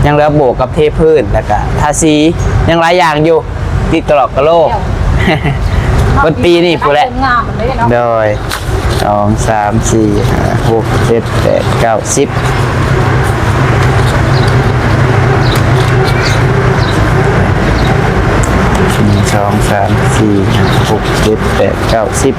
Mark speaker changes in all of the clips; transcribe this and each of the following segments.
Speaker 1: ยังเหลือโบกกับเทพื้นแล้วก็ทาสียังหลายอย่างอยู่ติดตลอดกะโลกวันปีนี่พูดแหละโดย2 3 4 5 6 7 8 9 102 3 4 5 6 7 8 9 10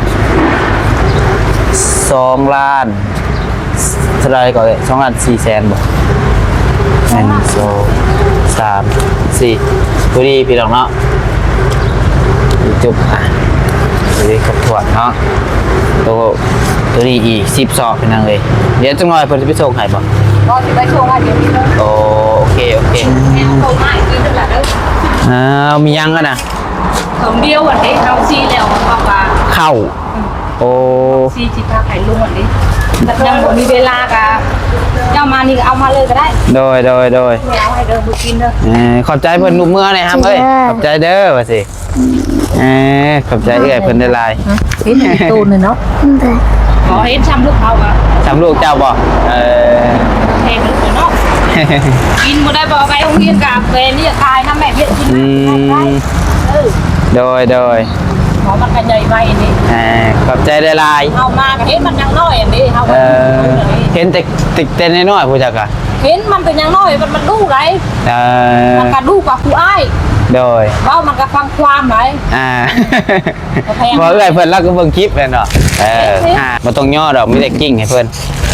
Speaker 1: 2 ล้านเท่าไรก่อนเลย2 ล้าน 4 แสนบ่1 2 3 4พอดีพี่น้องเนาะจุบดูดิครบถ้วนเนาะตัวนี้อีก10 ซอกเป็นยังเลยเดี๋ยวจังหน่อยเพิ่นจะไปส่งให้บ่
Speaker 2: ก็สิไปส่งให้เดี๋ยวนี้เลย
Speaker 1: โอเค
Speaker 2: แม่ส่งมาอีกทีนึงล่ะเด้อ
Speaker 1: มียังกันนะ
Speaker 2: สมเดียวอันนี้เอาซีแล้วมันบอกว่า
Speaker 1: เข้าโอ้
Speaker 2: ซีจิพาไข่ลุงอันนี้ยังบ่มีเวลากะเจ้ามานี่ก็เอามาเลยก็ได้
Speaker 1: โดย
Speaker 2: เอาให้เด้อมื้อกินเด้อ
Speaker 1: ขอบใจเพิ่นลูกเมื่อหน่อยครับเอ้ยขอบใจเด้อว่าสิขอบใจเอ้ยเพิ่นได้หลาย
Speaker 2: เห็นตูนเลยเนาะขอเห็นช้ำลูกเขาอ่ะ
Speaker 1: ช้ำลูกเจ้าบ่
Speaker 2: แพงลูกเนาะกินบ่ได้บ่ไปโรงเรียนกะเฟนนี่ตายนะแม่เฮ็ดกินได้
Speaker 1: โดย
Speaker 2: ขอมันกันใหญ่ไว้นี่
Speaker 1: ขอบใจได้หลาย
Speaker 2: เฮามาก็เห็นมันยังน้อยอันนี้เฮา
Speaker 1: เห็นแต่น้อยผู้จักอ่ะ
Speaker 2: เห็นมันเป็นยังน้อยมันดูไรมันก็ดูกว่าผู้อ้าย
Speaker 1: โดย
Speaker 2: เว้ามันก็ฟังความไหน
Speaker 1: บ่เอ้ยเพิ่นแล้วก็เบิ่งคลิปแม่นเนาะบ่ต้องย่อดอกมีแต่กิ้งให้เพิ่น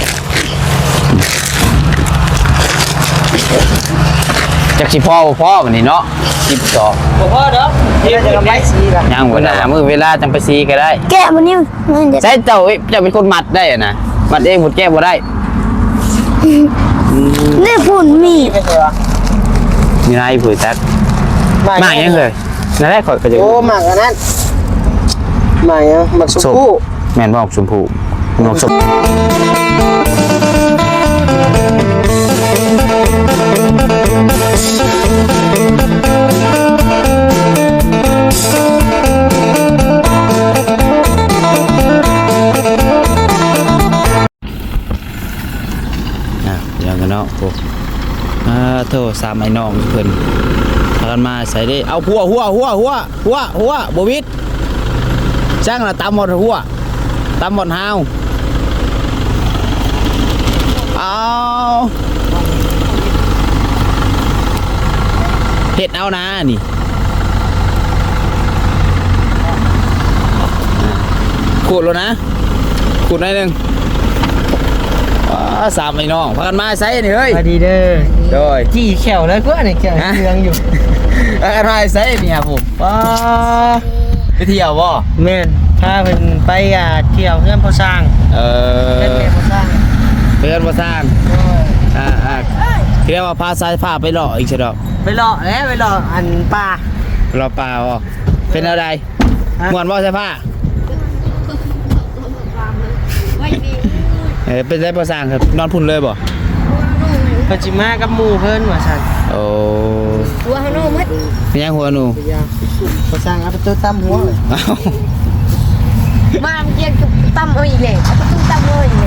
Speaker 1: จักสิพ่อบัดนี้เนาะ12
Speaker 2: บ่พอเด้อ
Speaker 1: เดี๋ยวจะไปซีล่ะยังบ่ได้มื้อเวลาจังไปซีก็ได้
Speaker 3: แกะบ่นิ่ม
Speaker 1: ใช่เจ้าเป็นคนมัดได้น่ะมัดเองหมดแก้บ่ได้
Speaker 3: นี่ฝุ่นมี
Speaker 1: นายผู้จักมายังเลยนั่นแหละข่อยก็จะ
Speaker 4: โอ้หมากอันนั้นหมากยังหมากชมพู่
Speaker 1: แม่นบ่ชมพู่หมากชมอย่างกันเนาะพวกโทษสามไอ้น้องเพิ่นพากันมาใส่ได้เอาหัวบ่วิดช่างละตำหมดหัวตำหมดหาวเอาเฮ็ดเอานะนี่ขูดแล้วนะขูดหน่อยนึงสามไอ้น้องพากันมาใส่นี่เฮ้ย
Speaker 4: สวัสดีเด้อ
Speaker 1: โดย
Speaker 4: จี้แขวเลยก็เนี่ยแขวเรืองอยู่
Speaker 1: พากันมาใส่นี่ครับผมไปเที่ยวบ่
Speaker 4: แม่นพาเพิ่นไปเที่ยวเพื่อนพ่อสร้างเพื่อนพ่อสร้าง
Speaker 1: เพื่อนพ่อสร้างเรียกว่าพาสายผ้าไปหล่ออีกใช่ดอก
Speaker 4: ไปหล่อแล้วไปหล่ออันปลา
Speaker 1: หล่อปลาบ่เป็นอะไรม่วนบ่สายผ้าเป็นได้ประสานครับนอนพุ่นเลยบ่
Speaker 4: เพิ่นสิมากับหมู่เพิ่นว่าซั่น
Speaker 1: โอ้
Speaker 3: หัวหนูมัด
Speaker 1: ยังหัวหนู
Speaker 4: ประสานเอาไปตัวตั้มหัวเลย
Speaker 3: มาเกี่ยวกับตั้มเอาอีกเลยเอาตู้ตั้มเอาอีกเลย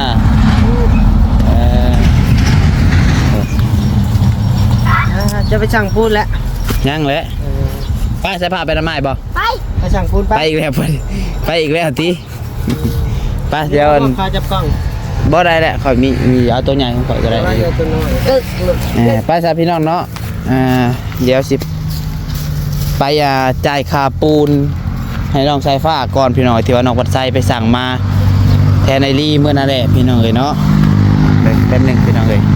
Speaker 4: จะไปสั่งพูดแล้ว
Speaker 1: ยังเลยไปใส่ผ้าไปทำไมบ่
Speaker 4: ไปสั่งพูด
Speaker 1: ไปอีกแล้วไปอีกแล้วทีไปเดี๋ยว
Speaker 4: พาจับกล้อง
Speaker 1: บ่ได้แหละข่อยมีเอาตัวใหญ่ของข่อยก็ได้ไปซะพี่น้องเนาะเดี๋ยวสิไปจ่ายค่าปูนให้น้องสายฟ้าก่อนพี่น้องที่ว่าน้องวัดไซไปสั่งมาแทนไอรี่เมื่อนั่นแหละพี่น้องเลยเนาะแป๊บนึงพี่น้องเลย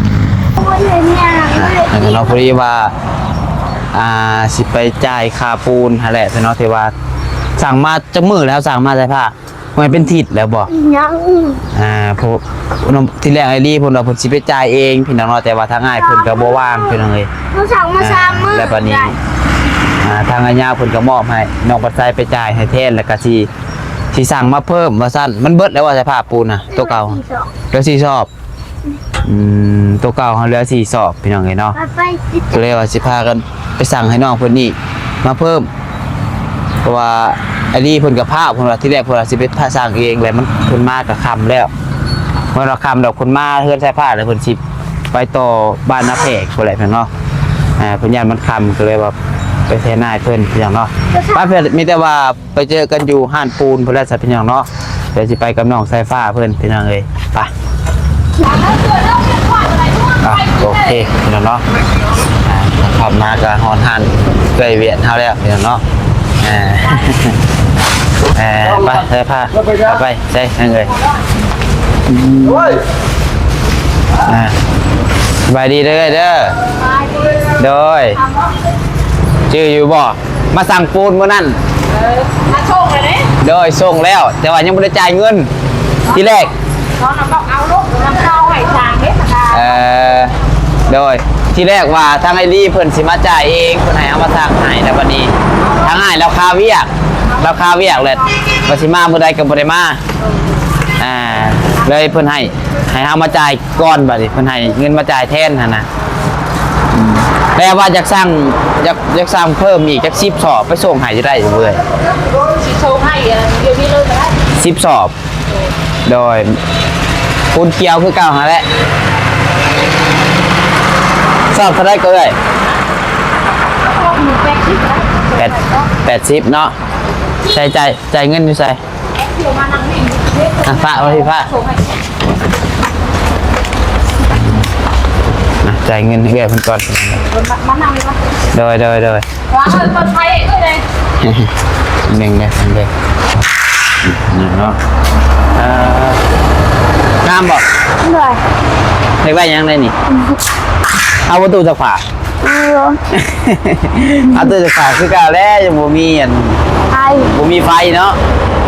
Speaker 1: เราพอดีว่าสิไปจ่ายค่าปูนนั่นแหละพี่น้องที่ว่าสั่งมาจะมือแล้วสั่งมาสายผ้ามันเป็นทิศแล้วบอกพวกที่แรกไอรี่พวกเราผลสิไปจ่ายเองพี่น้องแต่ว่าทางง่ายเพิ่นก็บ่ว่างพี่น้องเลย
Speaker 3: เราสั่งมา3 มื้อ
Speaker 1: แล้วบัดนี้ทางอาญาเพิ่นก็มอบให้น้องปัดไซไปจ่ายให้แทนแล้วก็สิสั่งมาเพิ่มว่าซั่นมันเบิดแล้วว่าสภาพปูนน่ะตัวเก่าเหลือ4 ซอบตัวเก่าเขาเหลือ4 ซอบพี่น้องเลยเนาะก็เลยว่าสิพากันไปสั่งให้น้องเพิ่นนี่มาเพิ่มเพราะว่าไอ้นี่เพิ่นกับผ้าเพิ่นว่าที่แรกเพิ่นว่าสิไปผ้าสร้างเองแหละมันเพิ่นมากับคำแล้วเมื่อเราคำดอกคนมาเฮือนใส่ผ้าแล้วเพิ่นสิไปต่อบ้านนาเพกคนแหละเพื่อนเนาะเพื่อนยานมันคำก็เลยแบบไปเทนายเพื่อนอย่างเนาะป้าเพื่อนมีแต่ว่าไปเจอกันอยู่ห้านปูนเพื่อนแล้วสัตว์เพื่อนอย่างเนาะเดี๋ยวจะไปกับน้องสายฟ้าเพื่อนเป็นยังไงไปโอเคเพื่อนเนาะขับมากับฮอนฮันเกยเวียนเท่าแล้วเพื่อนเนาะไปสายฟ้าไปใช่ยังไงสบายดีเด้อเด้อโดยชื่ออยู่บ่มาสั่งปูนเมื่อนั้น
Speaker 2: มาส่งเลยเนี่ย
Speaker 1: โดยส่งแล้วแต่ว่ายังไม่ได้จ่ายเงินที่แรก
Speaker 2: น้องน้ำบอกเอาลูกน้ำเข้าไหวจางเด็ดนะคะ
Speaker 1: โดยที่แรกว่าทางไอรีเพิ่นสิมาจ่ายเองเพิ่นให้เอามาสั่งให้แต่วันนี้ทางให้ราคาเวียกเลยว่าสิมาเมื่อใดก็บ่ได้มาเลยเพิ่นให้เอามาจ่ายก่อนบัดนี้เพิ่นให้เงินมาจ่ายแทนหั่นน่ะแต่ว่าอยากสั่งเพิ่มอีกจัก10 สอบไปส่งให้จะได้เว้ย
Speaker 2: สิโชว์ให้เดี๋ยวนี้เลยก็ได้
Speaker 1: 10 สอบโดยปูนเกียวคือเก่าหาแหละสอบเท่าไรก็ได้80เนาะใช้จ่ายเงินอยู่ใส่พระมาที่พระจ่ายเงินให้แกเพิ่นก่อน
Speaker 2: มานั่งเลยปะ
Speaker 1: โดย
Speaker 2: ว้าวคนไทยเลย
Speaker 1: หนึ่งเลยเนาะงามบ่
Speaker 3: ด้วย
Speaker 1: เรียกว่ายังไงนี่เอาประตูจากฝา เอาตู้จากฝาคือเก่าแล้วยังบ่มี
Speaker 3: ไอ
Speaker 1: บ่มีไฟเนาะ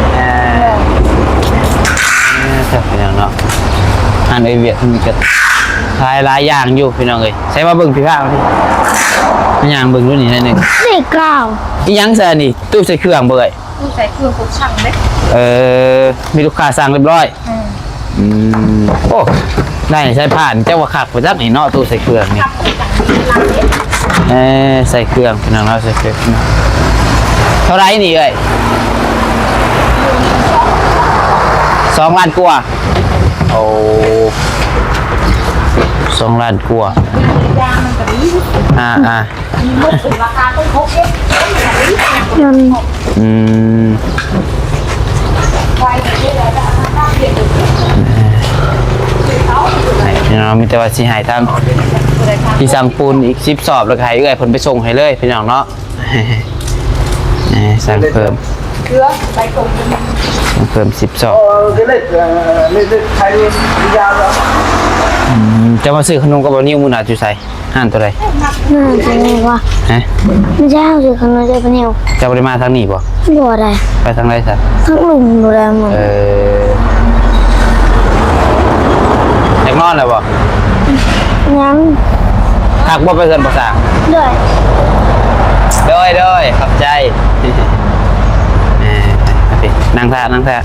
Speaker 1: จับพี่น้องเนาะอันไอเวียดมีกระทายหลายอย่างอยู่พี่น้องเอ้ยใช้มาเบิ่งพี่ภาพพี่อย่างเบิ่งรุ่นนี้หน่อยนึง
Speaker 3: เด็กเก่า
Speaker 1: อีหยังซะนี่ตู้ใส่เครื่องเบิ่ง
Speaker 2: ผู้ใส่เครื่องพวกช่างเล็ก
Speaker 1: มีลูกค้าสั่งเรียบร้อยโอ้ได้ใช้ผ่านเจ้าว่าคักไปจักนี่เนาะตู้ใส่เครื่องนี่ใส่เครื่องพี่น้องเนาะใส่เครื่องเท่าไรนี่เอ้ย2 ล้านกว่าโอ้2 ล้านกว่าย
Speaker 2: างมันก็ดี มีมุกราคาต้องพกเอ๊ะ
Speaker 3: ยน
Speaker 2: ไฟเยอะเลยแต่ถ้าเปลี่ยน
Speaker 1: พี่น้องมีแต่ว่าสิหายทางที่สั่งปูนอีก10 สอบแล้วก็ให้เอื้อยเพิ่นไปส่งให้เลยพี่น้องเนาะสั่งเพิ่ม
Speaker 2: เกลือใส่กลมเป็น
Speaker 1: สั่งเพิ่ม10 สอบ
Speaker 4: cái lịch thay ra đó
Speaker 1: จะมาซื้อขนมกับบะนิ่วมูนาจุใส่ห้านตัวใด
Speaker 3: น่าจะไงวะ
Speaker 1: ฮะ
Speaker 3: ไม่ใช่เอาสิข้างนอกจะเป็นเหี่ยว
Speaker 1: จะบริมาทางนี้บ่
Speaker 3: บ่ได้
Speaker 1: ไปทางไรสัก
Speaker 3: ทั้งหลุมบ่ได้หมด
Speaker 1: อยากนอนเลยบ่
Speaker 3: ยัง
Speaker 1: หักบ่ไปเกินภาษา
Speaker 3: ด้วย
Speaker 1: โดยขอบใจนั่งท่า
Speaker 3: นั่นแหละ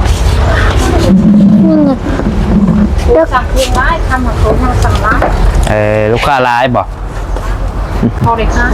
Speaker 2: เลือกสั่งเครื่องร้ายทำของเขาทำสั่งร้าย
Speaker 1: ลูกค้าร้ายบ่
Speaker 2: พอเลยค่ะ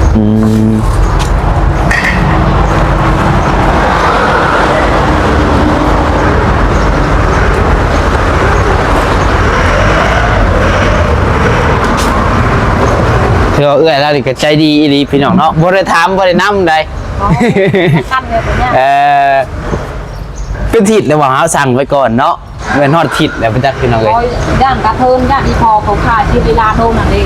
Speaker 1: เชื่อเอื้อยแล้วนี่ก็ใจดีอีหลีพี่น้องเนาะบ่ได้ถามบ่ได้นำใด
Speaker 2: ขั้นเลยตัวเนี้ย
Speaker 1: เป็นทิศเลยว่าเฮาสั่งไว้ก่อนเนาะเงินฮอดทิศแล้วไปจักพี่น้องเอ้ย
Speaker 2: ย่างกระเทินย่างอีพอเขาขายที่เวลาโดนนั่นเอง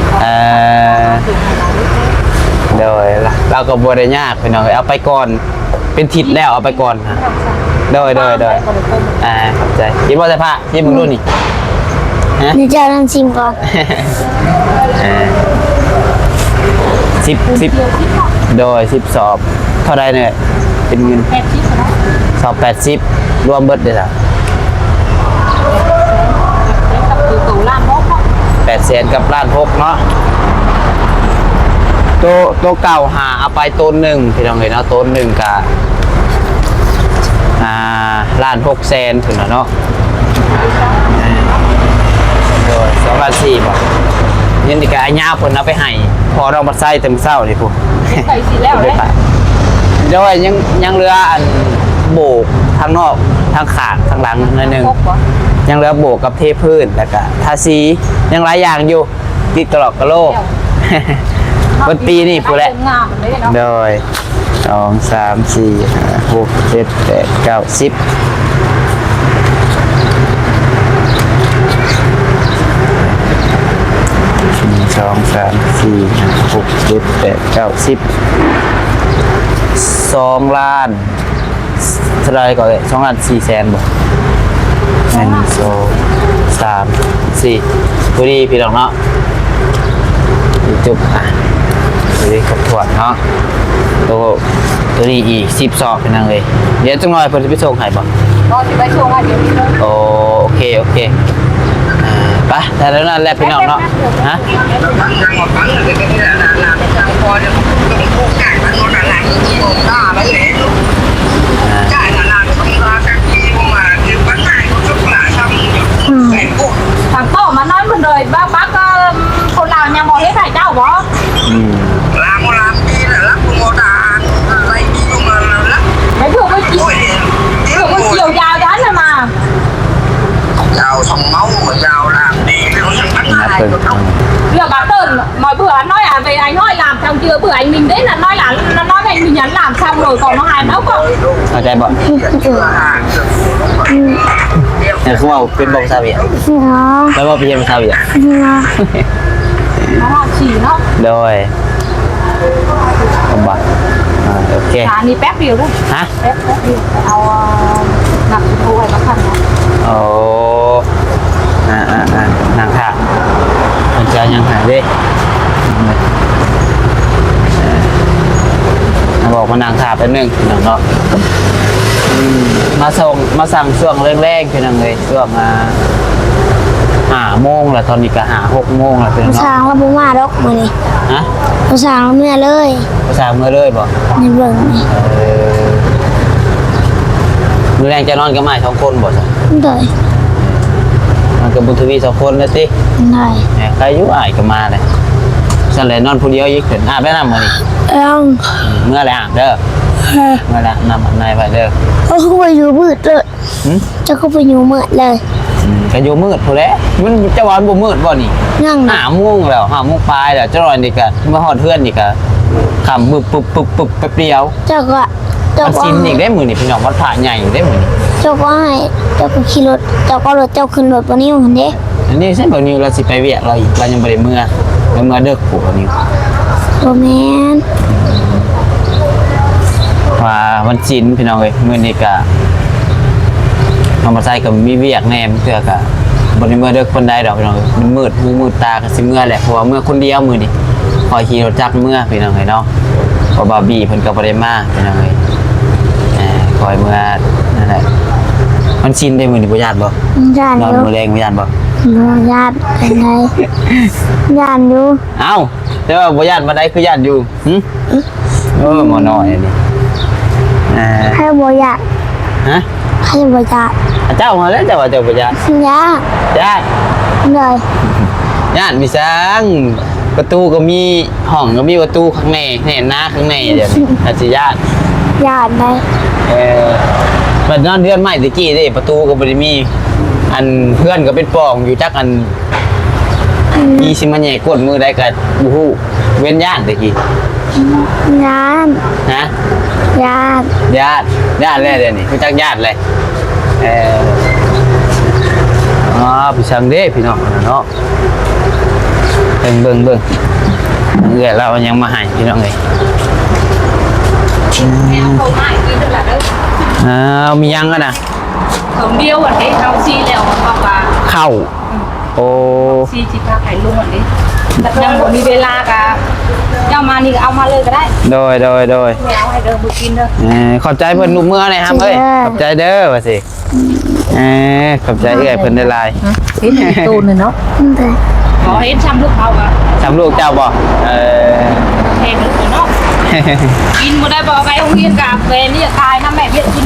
Speaker 1: โดยเราก็บ่ได้ยากพี่น้องเอ้ยเอาไปก่อนเป็นทิศแล้วเอาไปก่อนโดยขอบใจกินบ่ใส่ผ้ากินมึงดูนี่ฮะ
Speaker 3: นี่จะนั่งชิมก่อน
Speaker 1: 10โดย10 สอบเท่าไรเนี่ยเป็นเงิน
Speaker 2: 80นะ
Speaker 1: สอบ80รวมเบิดได้จ้ะ
Speaker 2: กับตู่ล่ามมก
Speaker 1: 800,000กับล้าน6เนาะตัวเก่าหาเอาไปต้นหนึ่งพี่น้องเห็นเนาะต้นหนึ่งกะล้าน6 แสนถึงแล้วเนาะโดย2 ล้าน 4บ่ยันดีกะไอ้ย่าเพิ่นเอาไปให้พอเรามาใส่เต็มเศร้านี่พุ่น
Speaker 2: ใส่สีแล้วเลย
Speaker 1: โดยยังเรืออันโบกทางนอกทางขาดทางหลังนิดนึง
Speaker 2: พกวะ
Speaker 1: ยังเหลือโบกกับเทพื้นแล้วก็ทาสียังหลายอย่างอยู่ติดตลอดกะโลก วันปีนี่พูดแหละ
Speaker 2: งามมันเลยเนาะ
Speaker 1: โดย2 3 4 5 6 7 8 9 101 2 3 4 5 6 7 8 9 10 2 ล้านเท่าไรก่อนเลย2 ล้าน4 แสนบ่1 2 3 4พอดีพี่น้องเนาะจุบอ่ะพอดีครบถ้วนเนาะตัวนี้อีก10 ซอกเป็นยังเลยเดี๋ยวจังหน่อยเพิ่นจะไปส่งให้บ่
Speaker 2: ก็สิไปช่วงว่าเดี๋ยวนี้เลย
Speaker 1: โอเคไปแต่แล้วนั่นแหละพี่น้องเนาะฮะ
Speaker 2: ทางโต๊ะมาน้อยมันเลยบ้าบ้าก็คนลาวยังบอกให้ใส่เจ้าบ่ ไม่ถูกไม่กี่ถูกไม่เกี่ยวยาวยันเลยมา
Speaker 5: giàu xong máu mà giàu làm đi nó sẽ bắn hai cái không
Speaker 2: เรื่องbà tơn mọi bữa anh nói là về anh nói làm xong chưa bữa anh mình đến là nói là nó nói với anh mình nhắn làm xong rồi còn nó hài máu không
Speaker 1: เข้าใจบ่
Speaker 5: hàng
Speaker 1: เนี่ยคือว่าเป็นบ่ภาษาเวียด
Speaker 3: เนาะ
Speaker 1: แล้วว่าเป็นภาษาเวียด
Speaker 3: เนาะ
Speaker 2: nó chỉ nó
Speaker 1: โดยผมบ่โอเค
Speaker 2: là đi pép điều đấy
Speaker 1: ฮะ
Speaker 2: pép điều ao nằm thu hay nó khăn
Speaker 1: โอ้นางค่ะมันจะยังหายดิบอกมานางค่ะแป๊บนึงพี่น้องเนาะมาสั่งช่วงแรกๆพี่น้องเลยช่วง5 โมงแล้วตอนนี้ก็6 โมงแล้วพี่น้อง
Speaker 3: สร้า
Speaker 1: เนาะ
Speaker 3: งแล้วบ่มาดอกมื้อนี้
Speaker 1: ฮะ
Speaker 3: สร้างแล้วเมื่อเลย
Speaker 1: ภาษาเมื่อเลยบ่
Speaker 3: ในเบิ่งนี่
Speaker 1: มือแรงจะนอนกับไม้2 คนบ่จ้ะ
Speaker 3: ได้
Speaker 1: มันกับบุญทวี2 คนนะติ
Speaker 3: ได้
Speaker 1: แหมใครอยู่อ้ายก็มาเลยสั่นเลยนอนผู้เดียวอีกเพิ่นอาบได้น้ำมื้อนี้ เมื่อไรอาบเด้อเมื่อไรนำนายไปเด้อ
Speaker 3: เขาเข้าไปอยู่มืดเลย
Speaker 1: หืม
Speaker 3: จะเข้าไปอยู่มืดเลย
Speaker 1: ก็อยู่มืดพู้นแหล้วมันจะวันบ่มืดบ่นี่
Speaker 3: นั่ง
Speaker 1: 5 โมงแล้ว5 โมงปลายแล้วจะรอนี่ก็มาฮอดเฮือนนี่ก็ค่ำบึบปึ๊บแป๊บเดียว
Speaker 3: เจ้าก็
Speaker 1: มันสินอีกได้มื้อนี่พี่น้องวัดพระใหญ่อีกได้มื้อนี่
Speaker 3: เจ้าก็ให้เจ้าก็ขี่รถเจ้าก็รถเจ้าขึ้นรถบ่นิ้วหั่นเด้
Speaker 1: อันนี้ใช่บ่นิวเราสิไปเวียกเราอีกเรายังบ่ได้เมื่อเด้อปู่บ่นิว
Speaker 3: บ่แม่น
Speaker 1: ว่าวันศีลพี่น้องเอ้ยมื้อนี้ก็น้องบ่ใส่ก็มีเวียกแหน่เทื่อก็บ่ได้เมื่อเด้อคนใดดอกพี่น้องเอ้ยมันมืดตาก็สิเมื่อแหละเพราะว่าเมื่อคนเดียวมื้อนี้พอขี่รถจักรเมื่อพี่น้องเอ้ยเนาะเพราะบาร์บี้เพิ่นก็บ่ได้มาพี่น้องเอ้ยคอยเมื่อนั่นแหละมันชินได้มื้อนี้บ่ญาติบ่
Speaker 3: ย่าน
Speaker 1: นอน
Speaker 3: อยู่
Speaker 1: มื้อแรงบ่ญาติบ่
Speaker 3: บ่ญาติเป็นไงย่านอยู่
Speaker 1: เอ้าแต่ว่าบ่ญาติบ่ได้คือญาติอยู่หึหมอน้อยอันนี้
Speaker 3: ให้บ่ญาติ
Speaker 1: ฮะ
Speaker 3: ให้บ่ญาติ
Speaker 1: เจ้ามาแล้วเจ้าว่าเจ้าบ่ญาติ
Speaker 3: ญาติ
Speaker 1: ญาติ
Speaker 3: เลย
Speaker 1: ญาติมีสังประตูก็มีห้องก็มีประตูข้างในแหน่หน้าข้างในเดี๋ยวนี้อาจสิญาติ
Speaker 3: ญาติได้
Speaker 1: บัดนอนเดือนใหม่ตะกี้เด้ประตูก็บ่ได้มี อันเพื่อนก็เป็นปองอยู่จักอันมีสิมาแหย่กดมือได้ก็บ่ฮู้เว้นญาติตะกี้
Speaker 3: ญาติ
Speaker 1: ฮะ
Speaker 3: ญาติ
Speaker 1: ญาติแล้วเดี๋ยวนี้รู้จักญาติเลยพี่ช่างเด้พี่น้องเนาะเบิ่งเอื้อเรายังมาให้พี่น้องเอ้ย
Speaker 2: em không ai đi được là đâu
Speaker 1: มียังกันนะ
Speaker 2: không điêu ở đấy không chi lèo mà hoặc là
Speaker 1: เข้าโอ้
Speaker 2: chi chỉ ta phải luôn ở đấy đặt nhầm của đi về la cả nhau mà đi ao mà lên cái đấy
Speaker 1: โดย
Speaker 2: mèo hay đờ bự kín đâu
Speaker 1: ขอบใจเพิ่นลูกเมื่อหน่อยครับเอ้ยขอบใจเด้อว่าสิขอบใจเอื้อยเพิ่นได้หลาย
Speaker 2: thế thì tôn rồi nó
Speaker 3: ได้
Speaker 2: có hết trăm lúc ao à
Speaker 1: จำลูกเจ้าบ่
Speaker 2: thèm được của nó in một đây bỏ cái ông hiên cả về đi cài năm mẹ biết in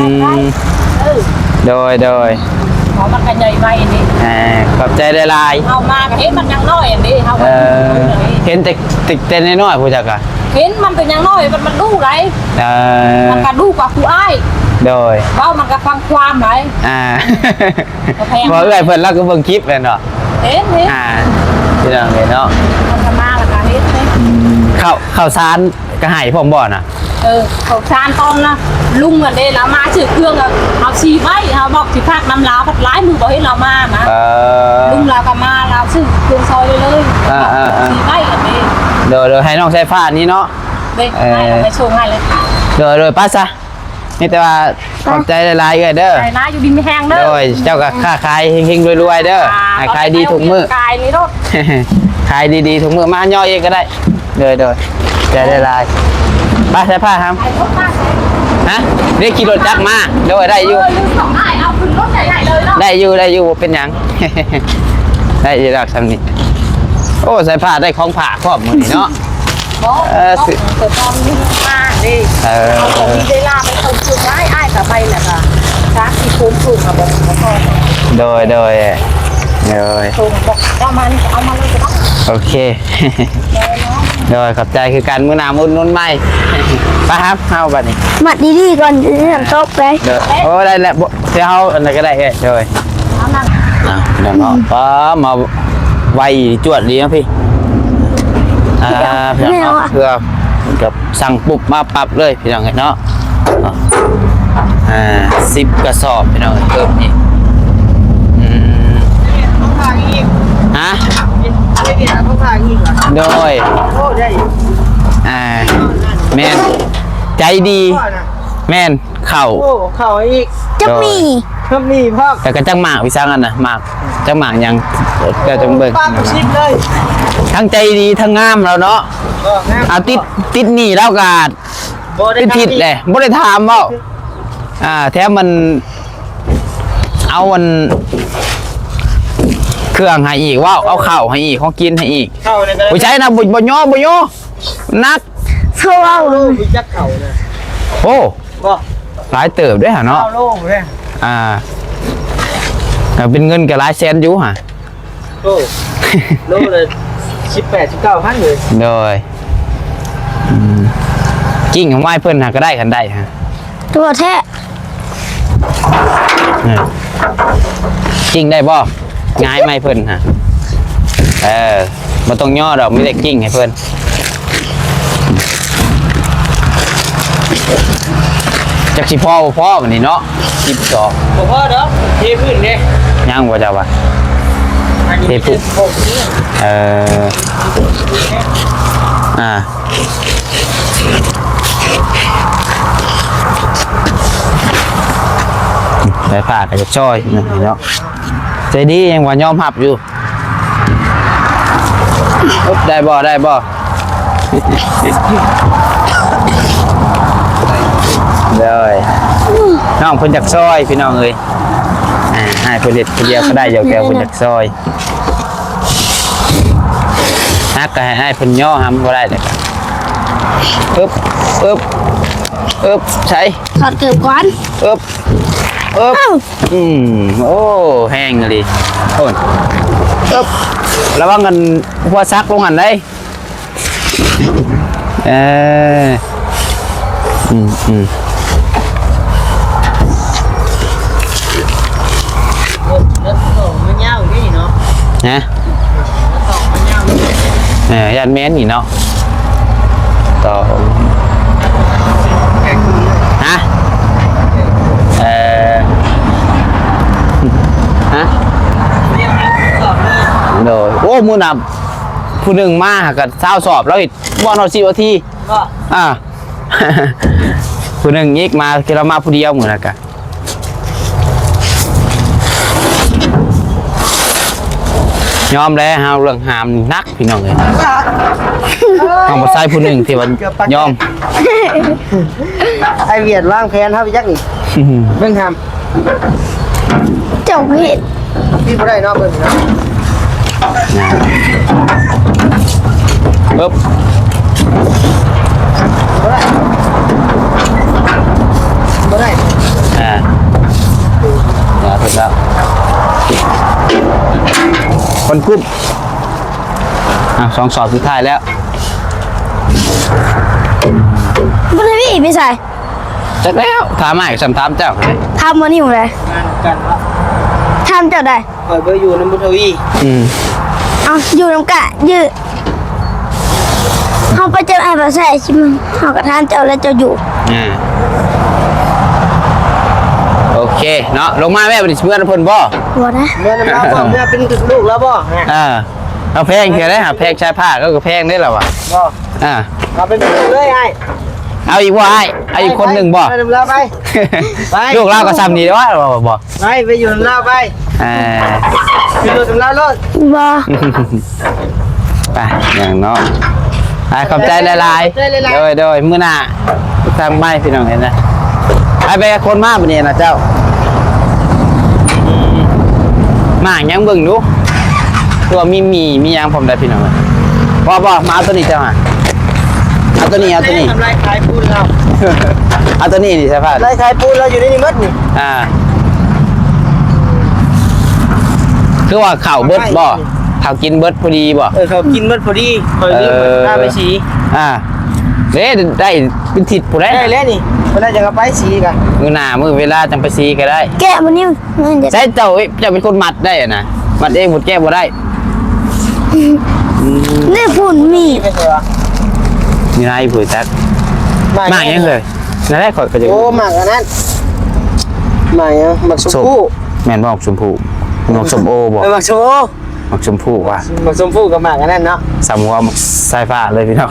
Speaker 1: โดย
Speaker 2: nó mặt cái nhầy vay đi
Speaker 1: ขอบใจได้หลาย
Speaker 2: ao mà cái hết mặt nhang nói đi ao
Speaker 1: เห็นแต่น้อยๆผู้จักอะ
Speaker 2: เห็นมันเป็นยังน้อยมันดูไรมันก็ดูกว่าผู้อ้าย
Speaker 1: โดย
Speaker 2: เว้ามันก็ฟังความไร
Speaker 1: พอเอื้อยเพิ่นแล้วก็เบิ่งคลิปเลยเนาะ
Speaker 2: เห็น
Speaker 1: พี่น้องเห็นเนาะ
Speaker 2: มันก็มาแล้วก็เห็นไหม
Speaker 1: ข้าวสารก็ให้ผมบ่น่ะ
Speaker 2: เขาชานตอนนะลุงกันเด้แล้วมาชื่อเครื่องเอาชีไว้เขาบอกสิพากน้ำลาวพัดร้ายมือบอกให้เรามานะลุงเราก็มาเราชื่อเครื่องซอยเลยชีไว้กันเด้
Speaker 1: เดี๋ยวให้น้องใช้ผ้านี้เนาะ
Speaker 2: เด้ให้เราไปโชว์ให้เลย
Speaker 1: เดี๋ยวป้าซะนี่แต่ว่าขอบใจหลายๆเด้อ
Speaker 2: ไอ้นะอยู่ดินไม่แห้งเด้อ
Speaker 1: โดยเจ้าก็ค้าขายเฮงๆรวยๆเด้อขายดีทุกมื้อก
Speaker 2: ายนี่รถ
Speaker 1: ขายดีๆทุกมื้อมาย่อเองก็ได้เด้อใจได้หลายป้าใช้ผ้าครับ
Speaker 2: ไอ้รถมาใช่
Speaker 1: ฮะเรียกขี่รถจักรมาโดยได้อยู่
Speaker 2: ลืมสองไอ้เอาขึ้นรถใหญ่ๆเลยเนาะ
Speaker 1: ได้อยู่เป็นหยัง ได้อยู่ดอกสำนี้โอ้ใส่ผ้าได้ของผ้าครอบมือนี่เนาะ
Speaker 2: บอกเปิดตอนนี้มาดิเอาของพี่ได้ลาไปส่งชุดไอ้กับไปแหละค่ะช้าที่คุ้มถูกกับบอกพ่อ
Speaker 1: โดย
Speaker 2: ส่งบอกเอามาเลยจะต้อง
Speaker 1: โอเค โดยขอบใจคือการมื้อหน้ามื้อนุ่นใหม่ ไปครับเฮาบัดนี้
Speaker 3: หมัดดีๆก่อนจะทำโต๊ะไป
Speaker 1: เด้อโอ้ได้แล้วเดี๋ยวเฮาอันไหนก็ได้โดย
Speaker 2: เอานั่น
Speaker 1: เดี๋ยวเนาะป้ามาไวจวดดีนะพี่พี่น้องเพื่อกับสั่งปุ๊บมาปรับเลยพี่น้องเนาะ10 กระสอบพี่น้องเพิ่มนี่ฮะโดยแม่นใจดีแม่นเข่า
Speaker 4: โอ้เข่าอีก
Speaker 3: จะมี
Speaker 4: ก็มีพ่อ
Speaker 1: แต่ก็จังหมากวิซังอันนะหมากจังหมากยังเดี๋ยวจังเบิ่ง
Speaker 4: ป้าก็ชิดเลย
Speaker 1: ทั้งใจดีทั้งงามแล้วเนาะเอาติดหนี่แล้วกาดติดผิดเลยบ่ได้ถามเว้าแถมมันเอามันเครื่องให้อีกว้าวเอาข้าวให้อีกของกินให้อีก
Speaker 4: เข่าเนี่ยก็
Speaker 1: บ่ใช่นะบ่ย่อนัก
Speaker 3: เพราะว่า
Speaker 4: โลวิจักเข่าเนี่ย
Speaker 1: โอ้
Speaker 4: บ่
Speaker 1: หลายเติบด้วยหะเนาะ
Speaker 4: เข่าโลเลย
Speaker 1: ก็เป็นเงินก็หลายแสนอยู่หะ
Speaker 4: โลเลย18-19,000เลย
Speaker 1: โดยกิ้งของไม้เพิ่นหาก็ได้กันได้ฮะ
Speaker 3: ตัวแท้
Speaker 1: กิ้งได้บ่ง่ายไม้เพิ่นฮะบ่ต้องย่อดอกมีแต่กิ้งให้เพิ่นจักสิพ่อบ่พ่อบัดนี้เนาะ12
Speaker 4: บ่พอเด้อเทพื้นเด้
Speaker 1: ยังบ่เจ้าว่า
Speaker 4: เทพื้นโอ้นี่
Speaker 1: ไปผ่าก็จะช่อยเนาะใจดียังว่ายอมหับอยู่ได้บ่เลยน้องเพิ่นจากซอยพี่น้องเอ้ยให้เพิ่นเด็ดเดียวก็ได้เดี๋ยวแกเพิ่นจากซอยนักก็ให้เพิ่นย่อหำบ่ได้เลยอึ๊บใช้
Speaker 3: ถอดเกือบก่อน
Speaker 1: อึ๊บโอ้แห้งเลยโอ้ยอึ๊บระวังกันหัวซักลงหันได้
Speaker 4: มันยาวอยู่นี่เนาะ
Speaker 1: นะยันแม่นนี่เนาะต่อฮะโดยโอ้มือนับผู้หนึ่งมากับเช้าสอบแล้วอีกบอลเอา10 นาที
Speaker 4: ก็
Speaker 1: ผู้หนึ่งยิกมาคือเรามาผู้เดียวเหมือนกันยอมแล้วฮะเรื่องหามนักพี่น้องเลยต้องมาใส่ผู้หนึ่งที่มันยอม
Speaker 4: ไอเวียดวางแผนครับพี่ยักษ์นี่เบิ่งท
Speaker 3: เจ้าเห็ด
Speaker 4: ำพี่บ่ได้เนาะเบิ่งเนาะ
Speaker 1: ปึ๊บ
Speaker 4: บ่ได้
Speaker 1: ถูกแล้วคนกรุ๊ป2 สอบสุดท้ายแล้ว
Speaker 3: บุญพี่ไม่ใส่
Speaker 1: จักแล้วถามใหม่สำถามเจ้าไง
Speaker 3: ทำมันนี่ของไร
Speaker 4: งานกันวะ
Speaker 3: ทำเจ้าได้
Speaker 4: คอยเบอร์อยู่น้ำบุญทวี
Speaker 3: เอาอยู่น้ำกะยืดเขาไปเจอไอ้ภาษาชิมเขากระทานเจ้าแล้วเจ้าอยู่
Speaker 1: โอเคเนาะลงมาแม่เป็นเพื่อนเพิ่นบ่
Speaker 3: หัวนะ
Speaker 4: เมื่อน้ำลาวบ่เมื่อเป็นลูกแล้วบ่
Speaker 1: เอาแพงแค่ได้หาแพงชายผ้าก็แพงได้แล้ววะ
Speaker 4: บ่
Speaker 1: เอา
Speaker 4: เป็นลูกเลยไอ้
Speaker 1: เอาอีกว่าเอาอีกคนหนึ่งบ่
Speaker 4: ไปน้ำลาวไป ไป
Speaker 1: ลูกเราก็ซ้ำนี่ว่าบ่
Speaker 4: ไปอยู่น้ำลาวไปไปอยู่น้ำลาวรถ
Speaker 3: บอ
Speaker 1: ไปอย่างเนาะขอบใจหลายๆโดยมื้อหน้าทางไม้พี่น้องเห็นนะไปคนมากปะเนี่ยนะเจ้ามายังเบิ่งดูตัวมียังผมได้พี่น้องบ่มาเอาตัวนี้เจ้าเอาตัวนี้
Speaker 4: ทำลายขายปูนเรา
Speaker 1: เอาตัวนี้ดิใช่ป่ะ
Speaker 4: ลายขายปูนเราอยู่ในนี้มัดนี่
Speaker 1: คือว่าข่าวเบิดบ่ข่าวกินเบิดพอดีบ่
Speaker 4: เขากินมัดพอดีคอยรีบหน้าไปสี
Speaker 1: เด้ได้เป็นทิศผู้ใด
Speaker 4: ได้แล้วนี่เวลาจะไปสีกัน
Speaker 1: มื้อหน้ามื้อเวลาจังไปซีก็ได้
Speaker 3: แกะมันนี่มันจะ
Speaker 1: ใช่เจ้าเป็นคนมัดได้นะมัดเองหมดแก้บ่ได้
Speaker 3: นี่ฝุ่นมี
Speaker 4: ไม่ใช่หรอ
Speaker 1: มีนายผู้จักมาอย่างเลยนั่นแหละข่อยก็จะ
Speaker 4: โอ้หมากอันนั้นหมากยังหมากชมพู่
Speaker 1: แม่นบ่ชมพูหมกชมโอบ่
Speaker 4: หมากชมพู่
Speaker 1: หมกชมพูว่ะ
Speaker 4: หมากชมพู่กับหมากอันนั้นเนาะ
Speaker 1: สามหัวหมกสายฟ้าเลยพี่น้อง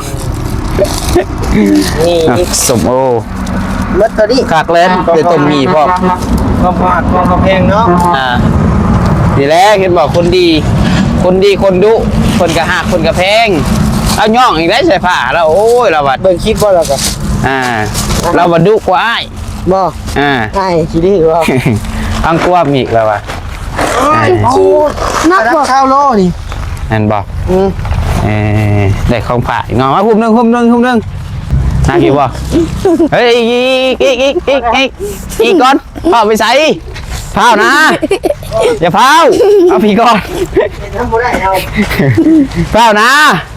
Speaker 4: นี่
Speaker 1: สมโอ
Speaker 4: มัดตัวนี้
Speaker 1: คักเล่นเดี๋ยวต้มมีพ่อ
Speaker 4: ความหวานความแพงเนาะ
Speaker 1: ดีแล้วเห็นบอกคนดีคนดุคนกระหักคนกระแพงเอาย่องอีกได้ใส่ผ้าแล้วโอ้ยเราบัด
Speaker 4: เบิ่งคลิปบ่แล้วก็
Speaker 1: เราบัดดุกว่าอ้าย
Speaker 4: บ่ไอ้คิดดีว่า
Speaker 1: อังกวบอีกแล้วว่ะ
Speaker 3: โอ้นัก
Speaker 4: รับ
Speaker 3: บอก
Speaker 4: ข้าวโลนี่
Speaker 1: นั่นบอกได้ของผ่าอีกงอมาหุ่มหนึ่งน่ากินบ่เฮ้ยอีกก่อนเผาไปใส่เผานะอย่าเผาเอาพี่ก่อน
Speaker 4: ทำบ่ได้เอา
Speaker 1: เผานะ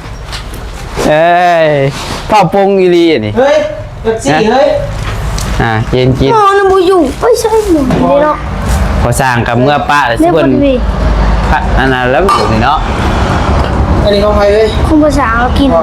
Speaker 1: เผาปงอีลีนี่
Speaker 4: เฮ้ยเป็ดซี่เฮ้ย
Speaker 1: กิน
Speaker 3: มองน้ำบูอยู่ไม่ใช่หนูนี่เนาะ
Speaker 1: พอสร้างกับเมื่อป้าเลย
Speaker 3: เรี
Speaker 1: สิ
Speaker 3: ยก
Speaker 1: เพิ่
Speaker 3: ว่าน พี่
Speaker 1: อันนั้นแล้วอยู่นี่เนาะ
Speaker 4: อันนี้ของใครเฮ้ย
Speaker 3: คุณภาษาเรากิน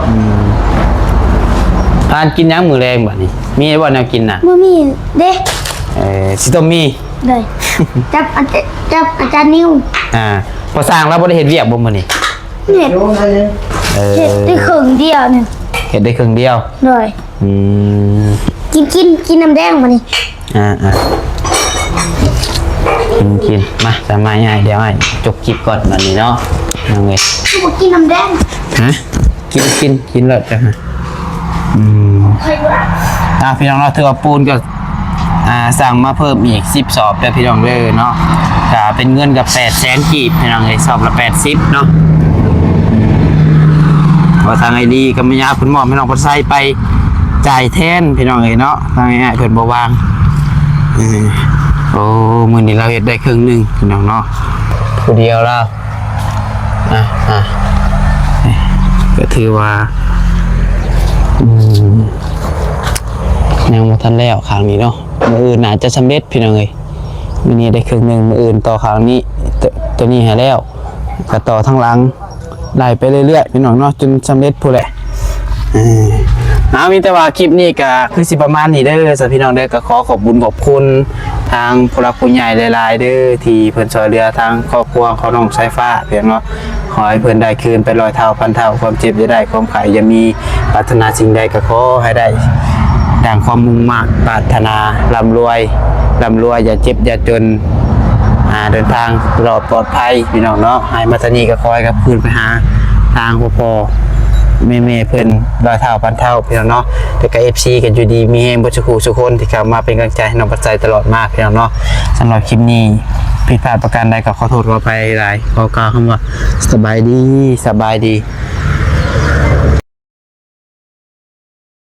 Speaker 1: ทานกินยังมือแรงแบบนี้มีบ่แนวกินน่ะ
Speaker 3: เมื่อมีเด้
Speaker 1: สิต้มมี
Speaker 3: เลยจับอาจารย์นิว
Speaker 1: พอสร้างแล้วบ่ได้เห็นเวียกบ่มื้อนี้
Speaker 3: เห็ด
Speaker 4: โอ้ยเลย
Speaker 3: เห็ดได้ครึ่งเดียวเนี่ย
Speaker 1: เห็นได้ครึ่งเดียว
Speaker 3: เลย กินน้ำแดงมานี่
Speaker 1: กินมาสมัยใหญ่เดี๋ยวให้จบคลิปก่อนวันนี้เนาะเอาไง
Speaker 3: กูบอกกินน้ำแดง
Speaker 1: ฮะกินเลยจ้ะฮะพี่น้องเราถือว่าปูนก็สั่งมาเพิ่มอีก10 สอบแล้วพี่น้องเลยเนาะก็เป็นเงินกับ800,000กีบพี่น้องเลยสอบละ80เนาะว่าทางไอดีก็ไม่ยากคุณหมอพี่น้องพอใส่ไปจ่ายแทนพี่น้องเลยเนาะทางไอ้เพิ่นบ่วางโอ้มื้อนี้เราเฮ็ดได้ครึ่งนึงพี่น้องเนาะผู้เดียวแล้วก็ถือว่ายังบ่ทันแล้วครั้งนี้เนาะมื้ออื่นน่าจะสำเร็จพี่น้องเอ้ยมื้อนี้ได้ครึ่งนึงมื้ออื่นต่อครั้งนี้ตัวนี้ให้แล้วก็ต่อทั้งหลังไล่ไปเรื่อยๆพี่น้องเนาะจนสำเร็จพู้นแหละมีแต่ว่าคลิปนี้ก็คือสิประมาณนี้เด้อสำหรับพี่น้องเด้อก็ขอขอบคุญขอบคุณทางผู้หลักผู้ใหญ่หลายๆเด้อที่เพิ่นช่วยเหลือทางครอบครัวของน้องสายฟ้าเพียงเนาะขอให้เพิ่นได้คืนไป100 เท่าพันเท่าความเจ็บจะได้ความไข้อย่ามีปรารถนาสิ่งใดก็ขอให้ได้ดังความมุ่งมั่นปรารถนาร่ำรวยอย่าเจ็บอย่าจนเดินทางตลอดปลอดภัยพี่น้องเนาะให้มาทางนี้ก็คอยกับคืนไปหาทางพ่อแม่เพิ่น100 เท่าพันเท่าพี่น้องเนาะแต่ก็ FC กันอยู่ดีมีแฮงบ่ทุกคู่ทุกคนที่เข้ามาเป็นกำลังใจให้น้องปัจจัยตลอดมากพี่น้องเนาะสำหรับคลิปนี้ผิดพลาดประการใดก็ขอโทษขออภัยหลายขอกล่าวคำว่าสบายดี